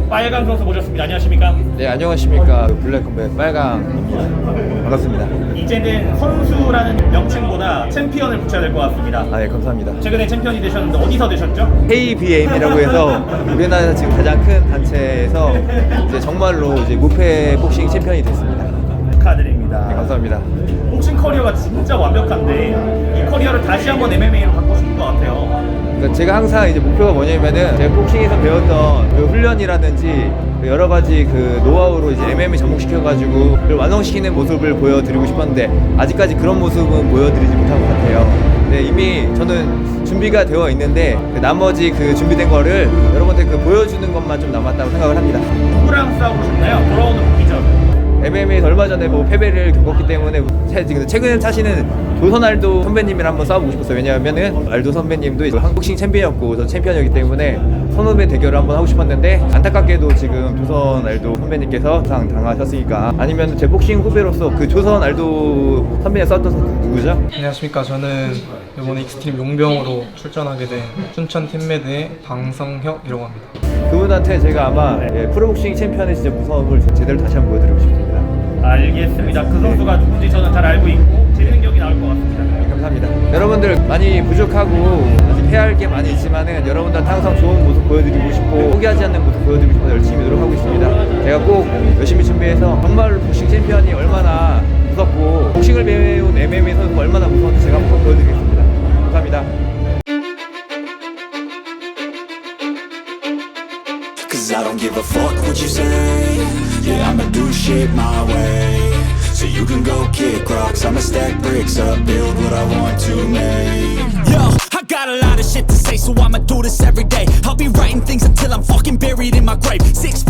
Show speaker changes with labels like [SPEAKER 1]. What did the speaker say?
[SPEAKER 1] 빨강 선수 모셨습니다. 안녕하십니까?
[SPEAKER 2] 네, 안녕하십니까. 블랙컴뱃 빨강입니다. 반갑습니다.
[SPEAKER 1] 이제는 선수라는 명칭보다 챔피언을 붙여야 될 것 같습니다.
[SPEAKER 2] 아, 예, 감사합니다.
[SPEAKER 1] 최근에 챔피언이 되셨는데 어디서 되셨죠?
[SPEAKER 2] KBM이라고 해서 우리나라 지금 가장 큰 단체에서 이제 정말로 이제 무패 복싱 챔피언이 됐습니다.
[SPEAKER 1] 축하드립니다.
[SPEAKER 2] 네, 감사합니다.
[SPEAKER 1] 복싱 커리어가 진짜 완벽한데 이 커리어를 다시 한번 MMA로 바꾸고 싶은 것 같아요.
[SPEAKER 2] 그러니까 제가 항상 이제 목표가 뭐냐면은 제가 복싱에서 배웠던 그 훈련이라든지 그 여러 가지 그 노하우로 이제 MMA 접목시켜가지고 그걸 완성시키는 모습을 보여드리고 싶었는데 아직까지 그런 모습은 보여드리지 못한 것 같아요. 네, 이미 저는 준비가 되어 있는데 그 나머지 그 준비된 거를 여러분들 그 보여주는 것만 좀 남았다고 생각을 합니다.
[SPEAKER 1] 누구랑 싸우고 싶나요? 돌아오는 복귀전.
[SPEAKER 2] MMA에서 얼마 전에 뭐 패배를 겪었기 때문에 최근에 사실은 조선알도 선배님이랑 한번 싸워보고 싶었어요. 왜냐하면은 알도 선배님도 이제 한국싱 챔피언이었고 저 챔피언이었기 때문에 선후배 대결을 한번 하고 싶었는데 안타깝게도 지금 조선 알도 선배님께서 당하셨으니까 아니면 제 복싱 후배로서 그 조선 알도 선배님 싸웠던 선수 누구죠?
[SPEAKER 3] 안녕하십니까. 저는 이번에 익스트림 용병으로 출전하게 된 춘천 팀매드의 방성혁이라고 합니다.
[SPEAKER 2] 그분한테 제가 아마 프로복싱 챔피언의 진짜 무서움을 제대로 다시 한번 보여드리고 싶습니다.
[SPEAKER 1] 알겠습니다. 그 선수가 누군지 저는 잘 알고 있고 제 능력이 나올 것 같습니다.
[SPEAKER 2] 감사합니다. 여러분들 많이 부족하고 아직 해야 할 게 많이 있지만은 여러분들한테 항상 좋은 모습 보여드리고 싶고 포기하지 않는 모습 보여드리고 싶어서 열심히 노력하고 있습니다. 제가 꼭 열심히 준비해서 정말 복싱 챔피언이 얼마나 무섭고 복싱을 배운 MMA 선수가 얼마나 무서운지 제가 한번 보여드리겠습니다. 감사합니다.
[SPEAKER 4] Cause I don't give a fuck what you say. Yeah, I'ma do shit my way. So you can go kick rocks, I'ma stack bricks up, build what I want to make. Yo, I got a lot of shit to say, so I'ma do this every day. I'll be writing things until I'm fucking buried in my grave. 6